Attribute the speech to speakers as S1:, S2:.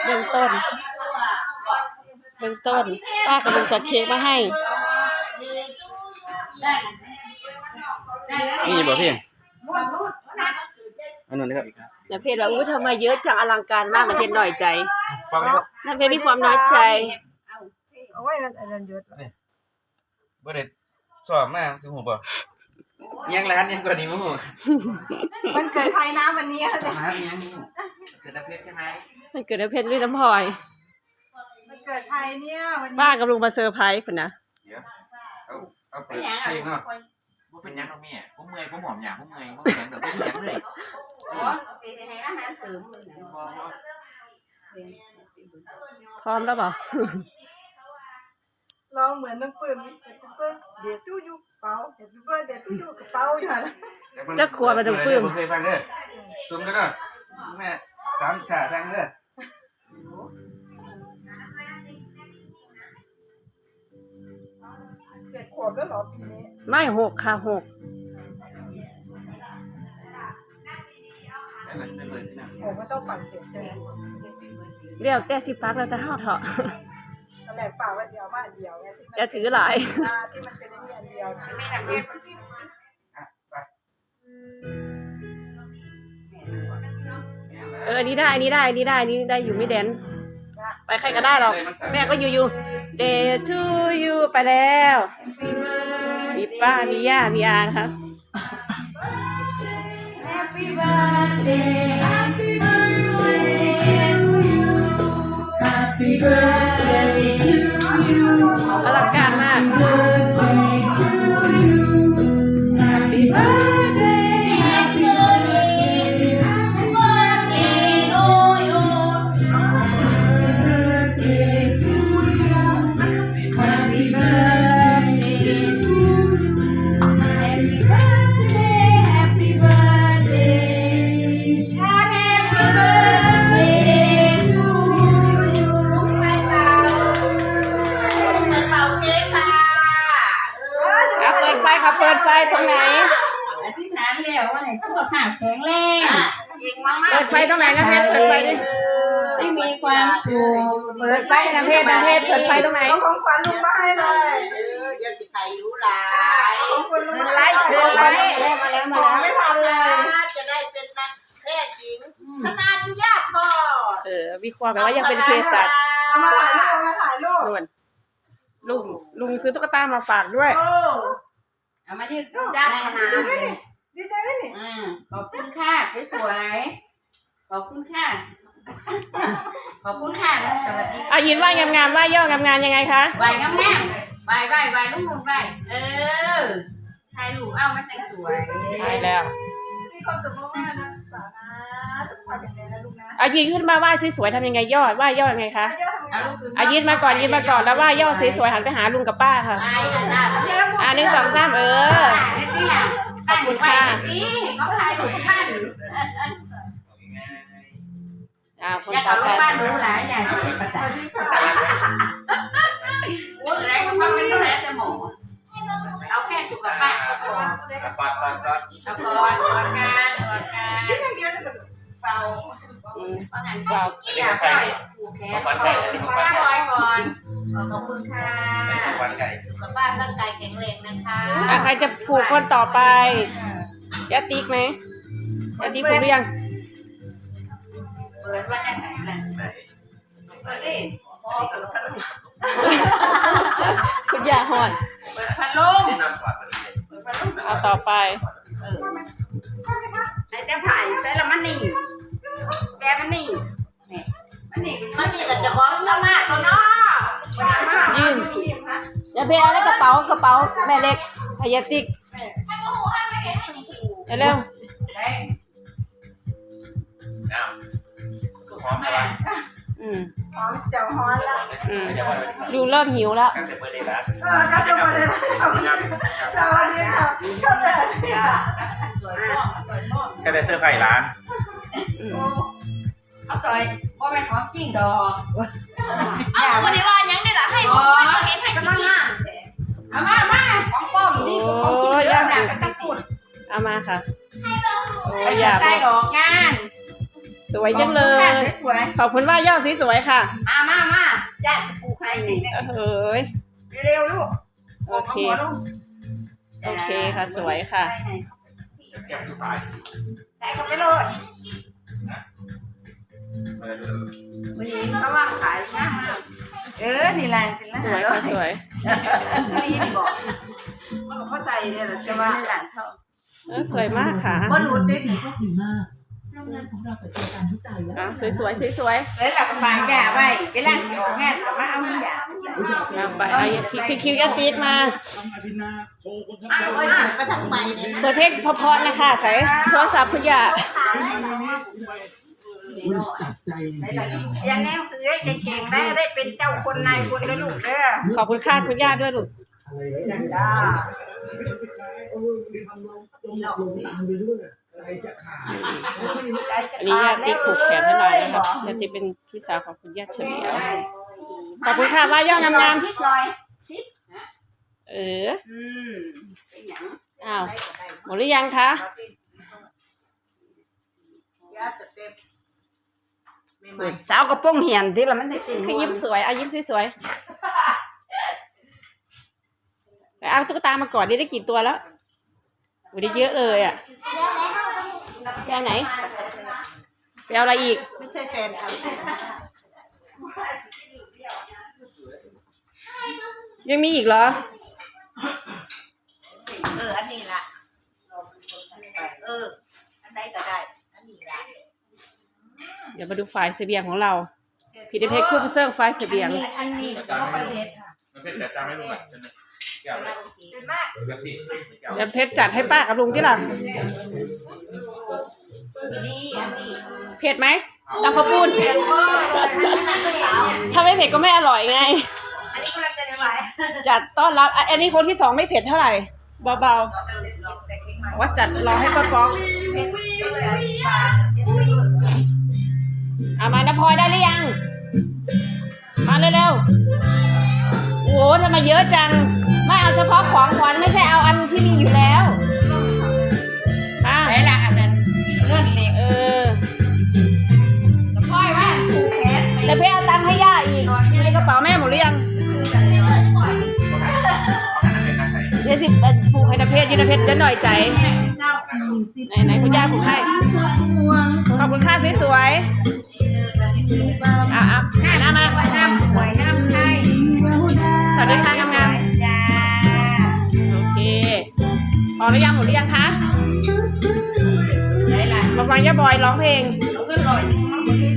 S1: บื้องต้นป้ากำลังจัดเค้กมาให้
S2: นี่บ่พี่อันนั้นนะครับ
S1: น้ำเพชรว่าอู้ทำไมเยอะจังอลังการมากน้ำเพชรหน่อยใจน้ำเพชรมีความน้อยใจ
S3: เอาไว้นั่นเยอะ
S2: บ่ได้สอบมาสิฮู้บ่ยังร้านยังกว่านี้บ่ฮู้
S3: มันเกิดใครนะวันนี้
S2: ร้านยังเกิดน้ำเพชรใช่ไหม
S1: มันเกิดน้ำเพชรหรือน้ำพลอย
S3: มันเกิดใครเนี่ยวันนี้
S1: ป้ากำลังมาเซอร์ไพรส์คุณนะ
S2: เดี๋ยวเอาไปเพลงเนาะบ่เป็นหยังเนาะแม่ผมเมื่อยผมหอมหยังผมเมื่อยบ่เป็นหยังดอกบ่เป็นหยังเลย
S1: พร้อมแล้วเปล่า
S3: เราเหมือนน้ำปืนเดี๋ยวตู้อยู่เป่าเดี๋ยวตู้อยู่กระเป๋าอยู่
S1: ฮะจะขวดมาน้ำปืน
S2: เคยฟังเด้อซุ่มกันเนาะแม่สามชาทั้งเด้อ
S3: 7 ขวบแล้วเหรอปีนี้
S1: ไม่6 ค่ะ 6
S3: ก็ต้องปั่นเสร็จใช่ไหม
S1: เรียกแต่สิปักแล้วจะห่อเถาะ
S3: ตอนแรกเปล่าว่าเดียวมาเดียวไง
S1: จะถือหลาย
S3: ที่มันเป็นอันเดียวไม่ทำเ
S1: องอันนี้ได้อยู่ไม่แดนไปใครก็ได้หรอกแม่ก็อยู่ Day to you ไปแล้วมีป้ามีย่ามีอานะครับ
S4: Happy birthday Happy birthday to you Happy birthday to you
S1: อลังการมาก
S4: Happy birthday Happy birthday Happy birthday to you Happy birthday to you Happy birthday to you Happy birthday Happy birthday Happy birthday to you เป่าเค้กค่ะ
S1: เปิดไฟค่ะเปิดไฟตรงไหน
S4: อธิษฐานแล้วว่าให้สุขภาพแข็งแรง
S1: เปิดไฟตรงไหนนะเพชรเปิดไฟดิ
S4: ให้มีความสุข
S1: เปิดไฟนะเพชรเปิดไฟตรงไหน
S3: ของขวัญลูกมาให้เลย
S4: อย่าสิใครรู้หลาย
S3: ของคุณลูก
S4: ไล่
S3: มาแล้วไม่ทันเลย
S4: จะได้เป็นนักแพทย์หญิงคณะญาติพ่อ
S1: วิเคราะห์แบบว่ายังเป็นเภสัช
S3: มาถ่ายรูป
S1: ลุงซื้อตุ๊กตามาฝากด้วย
S4: เอามายืดจ้าขนาด
S3: ดีใจไหมนี่
S4: ขอบคุณค่ะสวยขอบคุณค่ะขอบคุณค่ะสวัสดี
S1: ยินว่างามๆว่าย่องามๆยังไงคะ
S4: ไหวงามๆไหวลุงไหวถ่ายรูปเอามาแต่งสวย
S1: ถ่ายแล้ว
S3: มีความสุขมากๆนะสานะสุขภาพแข็งแรงนะลูกนะ
S1: ยืนขึ้นมาว่าสวยๆทำยังไงย่อยังไงคะยืนมาก่อนแล้วว่าย่อสวยๆหันไปหาลุงกับป้าค่ะ1 2 3ขอบคุณค่ะ
S4: เขาถ่ายรูปบ้าน
S1: คน
S4: ต่อไปบ้านรู้หลายอย่างที่ประจักษ์โอ้ยอะไรก็ฟังไม่ต้องแล้วแต่หมอเอาแค่สุขภาพก็พอเอาก่อนการ
S3: คิดอย่างเดียวเลยเป่า
S4: ประกันเป่าเกี่ยวก่อนผูกแขนก่อนขอบคุณค่ะสุขภาพร่างกายแข็งแรงนะคะ
S1: ใครจะผูกคนต่อไปยาติ๊กไหมยาติ๊กผูกหรือยัง
S4: เปิดว่าจะไหนเปิดดิ
S1: คุณยาหอน
S4: เปิดพัดลม
S1: เอาต่อไป
S4: ไอ้เจ้าไผ่ใส่ละมันนี่แปะมันนี่ก็จะของละมากตัวน้อ
S1: ยิ้มอย่าเพเอาได้กระเป๋าแม่เล็กพยาติ๊กเร็ว
S2: หอมอะไร
S3: หอมเจียวฮ้อนละ
S1: ลุงเริ่มหิวแล้ว
S3: ก็จะมาเลยสวัสดีค่ะ
S2: ก็ได้เสื้อผ้าร้าน
S4: เอาซอยว่าเป็นของจริงดอกเอาวันนี้ว่ายังได้ละให้บอกให้เห็นให้จริงเอามาของป้อมนี่ของจริงเรื่องแบบไม่ต้องพูด
S1: เอามาค่ะ
S4: ไปจัดใจดอกงาน
S1: สวยจังเลย
S4: สวย
S1: ขอบคุณว่าย่อสวยๆค่ะ
S4: มาย่าจะปลูกให้จริง
S1: เฮ้ย
S4: เร็วลูก
S1: โอเคค่ะสวยค่ะ
S2: แก้มสุดท้าย
S4: ใส่เข้าไปโลดเขาว่างขายง่ายมากนี่แหละเป็น
S1: สวยค่ะสวย
S4: นี่บอกเขาใส่เนี่ยหรอจะว่าหลังเขา
S1: สวยมากค่ะ
S4: บนรุดได้ดี
S5: ดีมากโรงงานของเราเปิดตัวการวิจัยและ
S1: สวยสวย
S4: แล้วเราก็ฟังยาไว้เวลาที่ออกงานก็มาเอายา
S1: ไปเอาคิวยัดตีดมา
S4: ไปทำไมเนี่ย
S1: เปิดเพลงเพราะๆนะคะใส่โทรศัพท์คุณย่า
S3: อย่างแนวซื้อเก่งๆได้เป็นเจ้าคนนายคนนะลูกเด้อ
S1: ขอบคุณค่าคุณย่าด้วยลูก
S3: จ้า
S1: อันนี้ย่าติ๊กผูกแขนให้หน่อยนะครับย่าติ๊กเป็นพี่สาวของคุณย่าเฉลียวขอบคุณค่ะว่าย่องาม
S4: คิดหน่อย
S1: ๆอ้าวหมดหรือยังคะ
S3: สาวกระโปรงเหียนที่เราไม่ได้เป็น
S1: คือยิ้มสวยยิ้มสวยๆเอาตุ๊กตามาก่อนได้กี่ตัวแล้วโอ้ได้เยอะเลยอ่ะไปเอาไหนไปเอาอะไรอีก
S3: ไม่ใช่แฟนเขา
S1: ยังมีอีกเหรอ
S4: อันนี้ละอันใดก็ได้อันนี้ละ
S1: เดี๋ยวมาดูฝ่ายเสบียงของเราพีดีเพชรคู่เซิร์ฟฝ่ายเสบียง
S4: อันนี้ก็ไปเฮ็ด
S2: มันเป็นแต่จำไม่รู้อ่ะแก้วเลย
S4: เป็นมาก
S2: แก้วสิแก้ว
S1: เดี๋ยวเพชรจัดให้ป้ากับลุงที่หลัง
S4: นี่อันนี้
S1: เผ็ดไหมตำข้าวปุ้น
S4: เผ็ดมาก
S1: ถ้าไม่เผ็ดก็ไม่อร่อยไง
S4: อันนี้กำลังจะได้ไหว
S1: จัดต้อนรับอันนี้คนที่2ไม่เผ็ดเท่าไหร่เบาๆว่าจัดรอให้ป้าป๊อกเอามานะพลอยได้หรือยังมาเร็วๆโอ้โหทำไมเยอะจังไม่เอาเฉพาะของขวัญไม่ใช่เอาอันที่มีอยู่แล้ว
S4: ไหนล่ะอันนั้นเงื่อนเหล็กพ่อยว่าผูกแขน
S1: แต่เพื่อเอาตังค์ให้ย่าอีกในกระเป๋าแม่หมดหรือยังเดี๋ยวสิผูกให้ตะเพชรยืนตะเพชรเดี๋ยวหน่อยใจไหนคุณย่าผูกให้ขอบคุณค่าสวยๆอ่ะน้ำมา
S4: น้ำสวยน้ำไทย
S1: สวัสดีค่ะงาม
S4: จ้า
S1: ๆโอเคพอหรือยังหมดหรือยังคะ
S4: ไหนล่ะ
S1: มาฟังย่าบอยร้องเพลง